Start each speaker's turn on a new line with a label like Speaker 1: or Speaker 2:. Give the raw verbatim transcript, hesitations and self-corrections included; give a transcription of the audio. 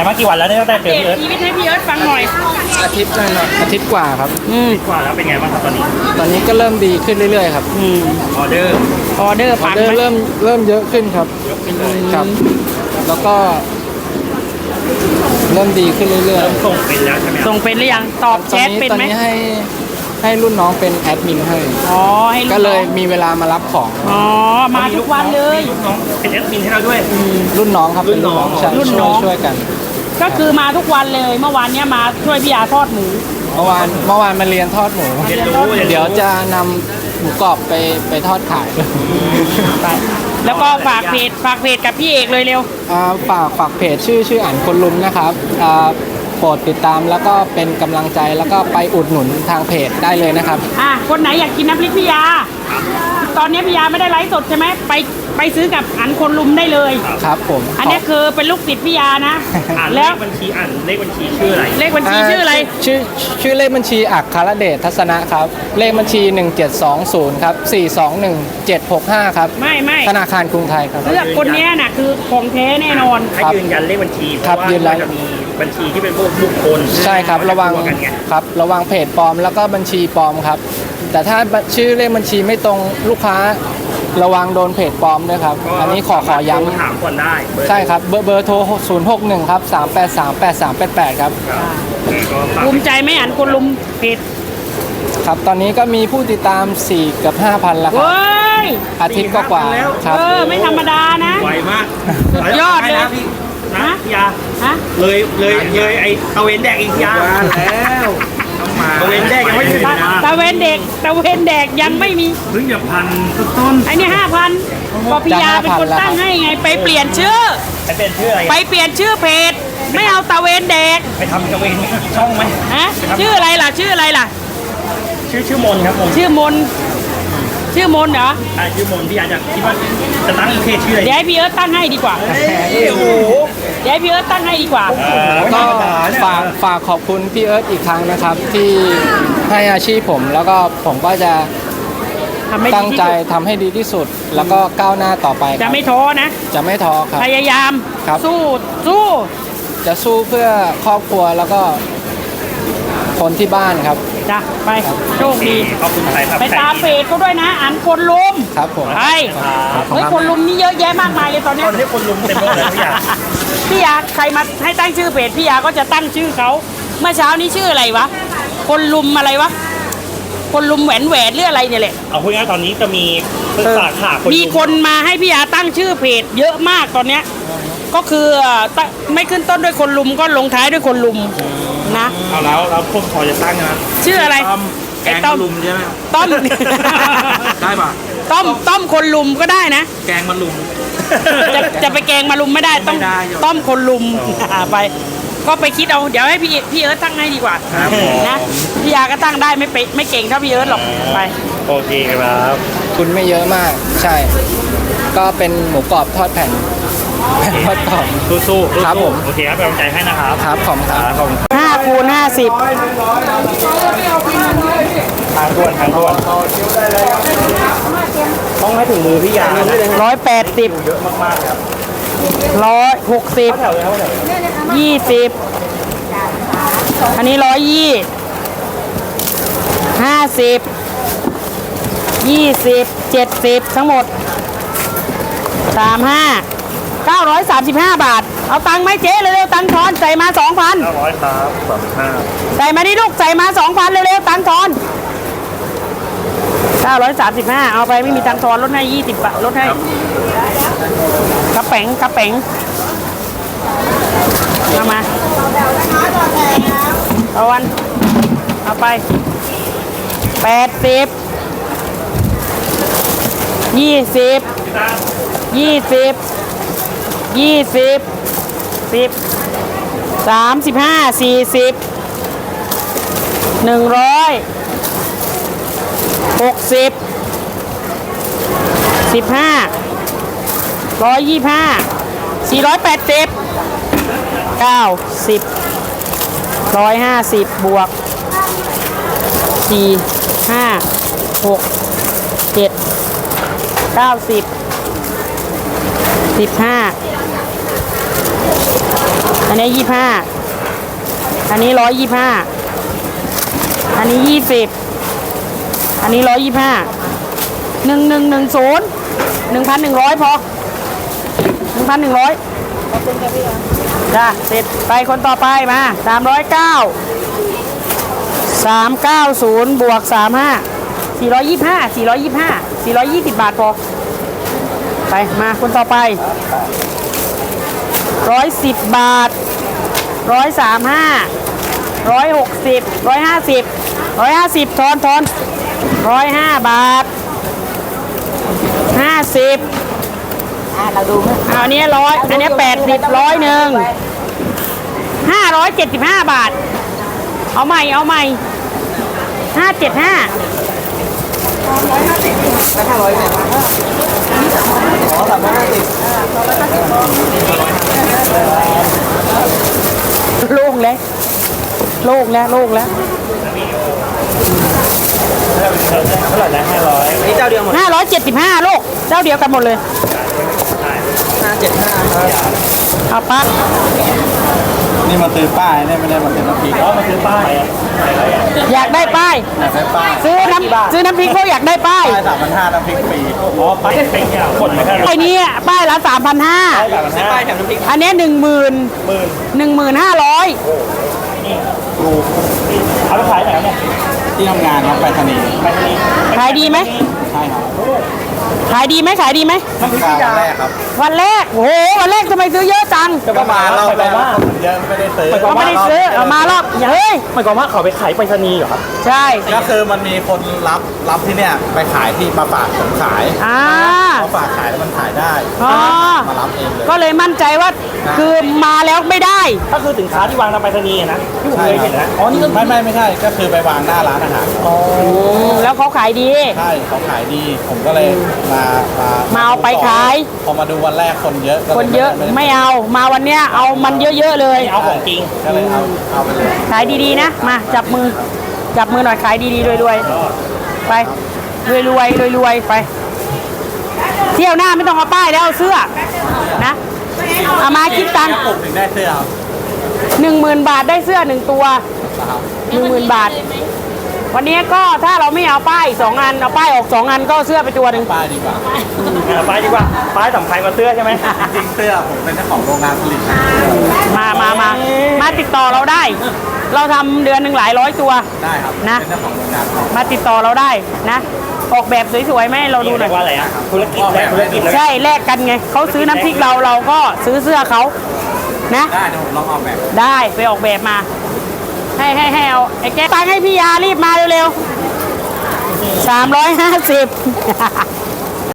Speaker 1: มากี่วันแล้วเนี่ยตั้งแต่เจอพี่เอิร์ธ
Speaker 2: ชีวิตให้พี่เอิร์ธฟังหน่อย
Speaker 3: อาทิตย์หน่อยอาทิตย์กว่าครับ
Speaker 2: อืม
Speaker 1: กว่าแล้วเป็นไงบ้างครับตอนนี้
Speaker 3: ตอนนี้ก็เริ่มดีขึ้นเรื่อยๆครับ
Speaker 2: อืม
Speaker 1: ออเดอร์
Speaker 2: ออเดอร์ปังไหม
Speaker 3: เริ่มเริ่มเยอะขึ้นครับ
Speaker 1: ยกขึ้นเลย
Speaker 3: ครับแล้วก็เริ่มดีขึ้นเรื่อยๆ
Speaker 1: เริ่มส่งเป็นแล้วใช่ไหม
Speaker 2: ส่งเป็นหรือยังตอบแชทเป็นไหม
Speaker 3: ตอนนี้ให้ให้รุ่นน้องเป็นแอดมินให้
Speaker 2: อ๋อให้
Speaker 3: ก็เลยมีเวลามารับของ
Speaker 2: อ๋อมาทุกวันเลย
Speaker 1: รุ่นน้องเป็นแอดมินให้เราด้วย
Speaker 3: รุ่นน้องครับเป็นรุ่นน้อง
Speaker 2: รุ่นน้อง
Speaker 3: ช่วยกัน
Speaker 2: ก็คือมาทุกวันเลยเมื่อวานเนี้ยมาช่วยพี่อาทอดหมู
Speaker 3: เมื่อวานเมื่อวานมาเรียนทอดหมู
Speaker 1: เรียนรู้
Speaker 3: เดี๋ยวจะนำหมูกรอบไปไปทอดขาย
Speaker 2: ไปแล้วก็ฝากเพจฝากเพจกับพี่เอกเลยเร็ว
Speaker 3: ฝากฝากเพจชื่อชื่ออ่านคนลุมนะครับโปรดติดตามแล้วก็เป็นกำลังใจแล้วก็ไปอุดหนุนทางเพจได้เลยนะครับ
Speaker 2: อ่ะคนไหนอยากกินน้ำพริกพี่ยาตอนนี้พี่ยาไม่ได้ไลฟ์สดใช่ไหมไปไปซื้อกับอันคนลุมได้เลย
Speaker 3: ครับผม
Speaker 2: อันนี้คือเป็นลูกศิษย์พี่ยานะ
Speaker 1: แล้วบัญชีอ่านเลขบัญชีชื่ออะไร
Speaker 2: เลขบัญชีชื่ออะไร
Speaker 3: ชื่อชื่อเลขบัญชีอัครเดชทัศนะครับเลขบัญชีหนึ่งเจ็ดสองศูนย์ครับสี่สองหนึ่งเจ็ดหกห้าครับ
Speaker 2: ไม่ไม่
Speaker 3: ธนาคารกรุงไทยครับ
Speaker 2: เลือกคนนี้น่ะคือของแท้แน่นอน
Speaker 1: ให้ยืนยันเลขบัญชีเพราะว่าจะมีบัญชีที่เป็นพวกบุคคล
Speaker 3: ใช่ครับระวังครับระวังเพจปลอมแล้วก็บัญชีปลอมครับแต่ถ้าชื่อเลขบัญชีไม่ตรงลูกค้าระวังโดนเพจปลอมด้วยครับอันนี้ขอขอย้ำ
Speaker 1: ถามก่อนได้
Speaker 3: ใช่ครับเบอร์เบอร์โทรศูนย์หกหนึ่งครับสามแปดสามแปดสามแปดแปดครับ
Speaker 2: ภูมิใจไหมอันคนลุมเพจ
Speaker 3: ครับตอนนี้ก็มีผู้ติดตามสี่กับห้าพันแล้วครับอาทิตย์ก็กว่าครับ
Speaker 2: เออไม่ธรรมดานะ
Speaker 1: ไวมาก
Speaker 2: สุดยอดเลย
Speaker 1: นะพี่นะพี่ยาเลยเลยเลยไอตะเวนแดกอีกยาแล้วตะเวนแดกยังไม่ถึงนะ
Speaker 2: ตะเวนเด็กตะเวนแดกยังไม่มี
Speaker 1: เพิ่งจะพันต้น
Speaker 2: ไอ้นี่ห้าพันก็พี่ยาเป็นคนตั้งให้ไงไปเปลี่ยนชื่อ
Speaker 1: ไปเปลี่ยนชื่ออะไร
Speaker 2: ไปเปลี่ยนชื่อเพจไม่เอาตะเวนแดก
Speaker 1: ไปทำตะเวนช่องไหม
Speaker 2: ฮะชื่ออะไรล่ะชื่ออะไรล่ะ
Speaker 1: ชื่อชื่อมนครับผม
Speaker 2: ชื่อมนชื่อมนเหรอ
Speaker 1: อ่าชื่อมนพี่อาจจะคิดว่าจะตั้งเพจชื่ออะไร
Speaker 2: เดี๋ยวให้พี่เอิร์ธตั้งให้ดีกว่า
Speaker 1: โอ้โห
Speaker 2: เดี๋ยวให้พี่เอิร์ธตั้งให้ดีกว่า
Speaker 3: ก็ฝากฝากขอบคุณพี่เอิร์ธอีกครั้งนะครับที่ให้อาชีพผมแล้วก็ผมก็จะตั้งใจทำให้ดีที่สุดแล้วก็ก้าวหน้าต่อไป
Speaker 2: จะไม่ท้อนะ
Speaker 3: จะไม่ท้อครับ
Speaker 2: พยายามสู้สู้
Speaker 3: จะสู้เพื่อครอบครัวแล้วก็คนที่บ้านครับ
Speaker 2: จ้ะไปโชคดี
Speaker 1: ขอบคุณครับ
Speaker 2: ไปตามเพจเขาด้วยนะอันคนลุม
Speaker 3: ครับผม
Speaker 2: ไปเฮ้ยคนลุมนี่เยอะแยะมากมายเลยตอนนี้
Speaker 1: ตอนนี้คนลุมเต็มไปหมดเลยพี่ยา
Speaker 2: พี่ยาใครมาให้ตั้งชื่อเพจพี่ยาก็จะตั้งชื่อเขาเมื่อเช้านี้ชื่ออะไรวะคนลุมอะไรวะคนลุมแหวนแหวนหรืออะไรเนี่ยแหละ
Speaker 1: เอาพูดง่ายตอนนี้จะมีสาขา
Speaker 2: มีคนมาให้พี่ยาตั้งชื่อเพจเยอะมากตอนเนี้ยก็คือไม่ขึ้นต้นด้วยคนลุมก็ลงท้ายด้วยคนลุมนะ
Speaker 1: เอาแล้วแล้วพวกพอจะตั้งนะ
Speaker 2: ชื่ออะไร
Speaker 1: แกงมะลุมใช่ไหม
Speaker 2: ต้ม
Speaker 1: ได้ป่ะ
Speaker 2: ต้มต้มคนลุมก็ได้นะ
Speaker 1: แกงมะลุม
Speaker 2: จะจะไปแกงมะลุมไม่ได้ต้องต้มคนลุมไปก็ไปคิดเอาเดี๋ยวให้พี่พี่เอิร์ธตั้งให้ดีกว่านะพี่ยาก็ตั้งได้ไม่ไปไม่เก่งเท่าพี่เอิร์ธหรอกไป
Speaker 1: โอเคครับ
Speaker 3: คุณไม่เยอะมากใช่ก็เป็นหมูกรอบทอดแผ่นทอดกรอบ
Speaker 1: สู้ๆ
Speaker 3: ครับผม
Speaker 1: โอเคครับเป็นกำลังใจให้นะครับ
Speaker 3: ครับขอบคุณครับ
Speaker 2: ห้าคูณห้าสิบ
Speaker 1: ทางด่วนทางด่วนต้องให้ถึงมือพี่ยา
Speaker 2: ร้อยแปดสิบ
Speaker 1: เยอะมากๆครับ
Speaker 2: ร้อยหกสิบยี่สิบอันนี้ร้อยยี่ห้าสิบยี่สิบเจ็ดสิบทั้งหมดสามห้าเก้าร้อยสามสิบห้าบาทเอาตังค์ไหมเจ๊เร็วๆตังค์ทอนใส่มาสองพัน
Speaker 1: เก้าร้อยครับสามสิบห้า
Speaker 2: ใส่มาดิลูกใส่มาสองพันเร็วๆตังค์ทอนเก้าร้อยสามสิบห้าเอาไปไม่มีตังค์ทอนลดให้ยี่สิบบาทลดให้กระแป๋งกระแป๋งเอามาเอาวันเอาไปแปดสิบยี่สิบยี่สิบยี่สิบสิบสามสิบห้าสี่สิบหนึ่งร้อยหกสิบสิบห้าร้อยยี่ห้าสี่ร้อยแปดสิบเก้าสิบร้อยห้าสิบบวกสี่ห้าหกเจ็ดเก้าสิบสิบห้าอันนี้ยี่ห้าอันนี้ร้อยยี่ห้าอันนี้ยี่สิบอันนี้ร้อยยี่ห้าหนึ่งหนึ่งหนึ่งศูนย์หนึ่งพันหนึ่งร้อยพอหนึ่งพันหนึ่งร้อยจ้ะเสร็จไปคนต่อไปมาสามร้อยเก้าสามเก้าศูนย์บวกสามห้าสี่ร้อยยี่ห้าสี่ร้อยยี่ห้าสี่ร้อยยี่สิบบาทพอไปมาคนต่อไปร้อยสิบบาทร้อยสามห้าร้อยหกสิบร้อยห้าสิบร้อยห้าสิบทอนทอนร้อยห้าบาทห้าสิบเราดูอันนี้ร้อยอันนี้แปดสิบร้อยหนึ่งห้าร้อยเจ็ดสิบห้าบาทเอาใหม่เอาใหม่ห้าเจ็ดห้าร้อยห้าสิบแล้วห้าร้อยเนี่ยอ๋อสามร้อยห้าสิบโล่งแล้วโล่งแล้วโล่งแล้ว
Speaker 1: เท่าไหร่นะห้าร้อยนี่เจ้าเดียวหมด
Speaker 2: ห้าร้อยเจ็ดสิบห้าลูกเจ้าเดียวกันหมดเลย
Speaker 1: ห้าเจ็ดห้า
Speaker 2: เอาปั๊บ
Speaker 3: นี่มาซื้อป้ายเนี่ยไม่ได้มาซื้อน้ำพริก
Speaker 1: อ๋อมาซื้อป้าย
Speaker 2: อยากได้ป้าย
Speaker 3: อยากได้ป้าย
Speaker 2: ซื้อน้ำซื้อน้ำพริกเขาอยากได้ป้าย
Speaker 3: ป้ายสามพันห้าน้ำพริกฟรี
Speaker 1: อ๋อป้ายเป็นเนี่ยหมดไหมครับ
Speaker 2: ไอ้นี้ป้ายละสามพันห้า
Speaker 1: ป้ายแบบนั้นป้ายแถมน้ำพริก
Speaker 2: อันนี้หนึ่งหมื่น
Speaker 1: หมื่น
Speaker 2: หนึ่งหมื่นห้าร้อย
Speaker 1: นี่ดูเอาไปขายไหนเนี่ย
Speaker 3: ที่ทำงานครับไปรษณีย์
Speaker 1: ไปที่นี่
Speaker 2: ขายดีไหม
Speaker 3: ใช่ครับ
Speaker 2: ขายดีไหมขายดีไหม
Speaker 1: น้ำพริก
Speaker 3: กา
Speaker 1: พี่
Speaker 3: ร
Speaker 1: ยา
Speaker 3: แรกครับ
Speaker 2: วันแรกโอ้โหวันแรกทำไมซื้อเยอะจัง
Speaker 3: ก็มาเราไปว่าเยอะไม่ได้ซื้อ
Speaker 2: เขาไม่ได้ซื้อเอามารอบอย่าเฮ้ย
Speaker 1: หมายความว่าเขาไปขายไปรษณีย์เหรอครับ
Speaker 2: ใช่
Speaker 3: ก็คือมันมีคนรับรับที่เนี่ยไปขายที่มาฝากผมขาย
Speaker 2: อ่า
Speaker 3: เขาฝากขายแล้วมันขายได้
Speaker 2: อ๋อ
Speaker 3: มารับเองเลย
Speaker 2: ก็เลยมั่นใจว่าคือมาแล้วไม่ได้
Speaker 1: ก็คือสินค้าที่วางตามไปรษณีย์นะที่ผมเคยเห็นนะอ๋อนี่ก็
Speaker 3: ไม่ไม่ไม่ใช่ก็คือไปวางหน้าร้านอาหาร
Speaker 2: อืมแล้วเขาขายดี
Speaker 3: ใช่เขาขายดี ผมก็เลยมามา
Speaker 2: มาเอาไปขาย
Speaker 3: พอมาดูวันแรกคนเยอะก็ล
Speaker 2: คนเยอะ
Speaker 3: ด้
Speaker 2: ไม่เอามาวันเนี้ยเอามันเยอะๆเลย
Speaker 1: เอาของจริง
Speaker 3: ก็เลยเอาเอาไปเลย
Speaker 2: ขายดีๆนะมาจับมือจับมือหน่อยขายดีๆรวยๆไปรวยๆรวยๆไป เที่ยวหน้าไม่ต้องเอาป้ายแล้วเอาเสื้อนะเอามาคิดตังค์
Speaker 3: ปลุกถึงได้เสื้อครับ
Speaker 2: หนึ่งหมื่นบาทได้เสื้อหนึ่งตัวหนึ่งหมื่นบาท วันนี้ก็ถ้าเราไม่เอาป้ายสองอันเอาป้ายออกสองอันก็เอาเสื้อไปตัวหนึ่ง
Speaker 3: ป้ายดีกว่า
Speaker 1: อ่าป้ายดีกว่าป้ายสำคัญกว่าเสื้อใช่ไหม
Speaker 3: จริงๆเสื้อผมเป็นเจ้าของโรงงานผลิต
Speaker 2: มามามามาติดต่อเราได้ เราทำเดือนหนึ่งหลายร้อยตัว
Speaker 3: ได้ครับ
Speaker 2: นะ
Speaker 3: เป็นเจ้าของโรงงาน
Speaker 2: มาติดต่อเราได้นะ ออกแบบสวยๆไหมาให้เราดูหน่อย
Speaker 1: ว่าอะไรอ่ะธุรกิจและธุรกิจแล้ว
Speaker 2: ใช่แลกกันไงเขาซื้อน้ำพริกเราเราก็ซื้อเสื้อเขานะ
Speaker 3: ได้เดี๋ยวผมลองออกแบบ
Speaker 2: ได้ไปออกแบบมา ให้ให้ให้เอาไอ้แกตังค์ให้พี่ยารีบมาเร็วๆสามร้อยห้าสิบ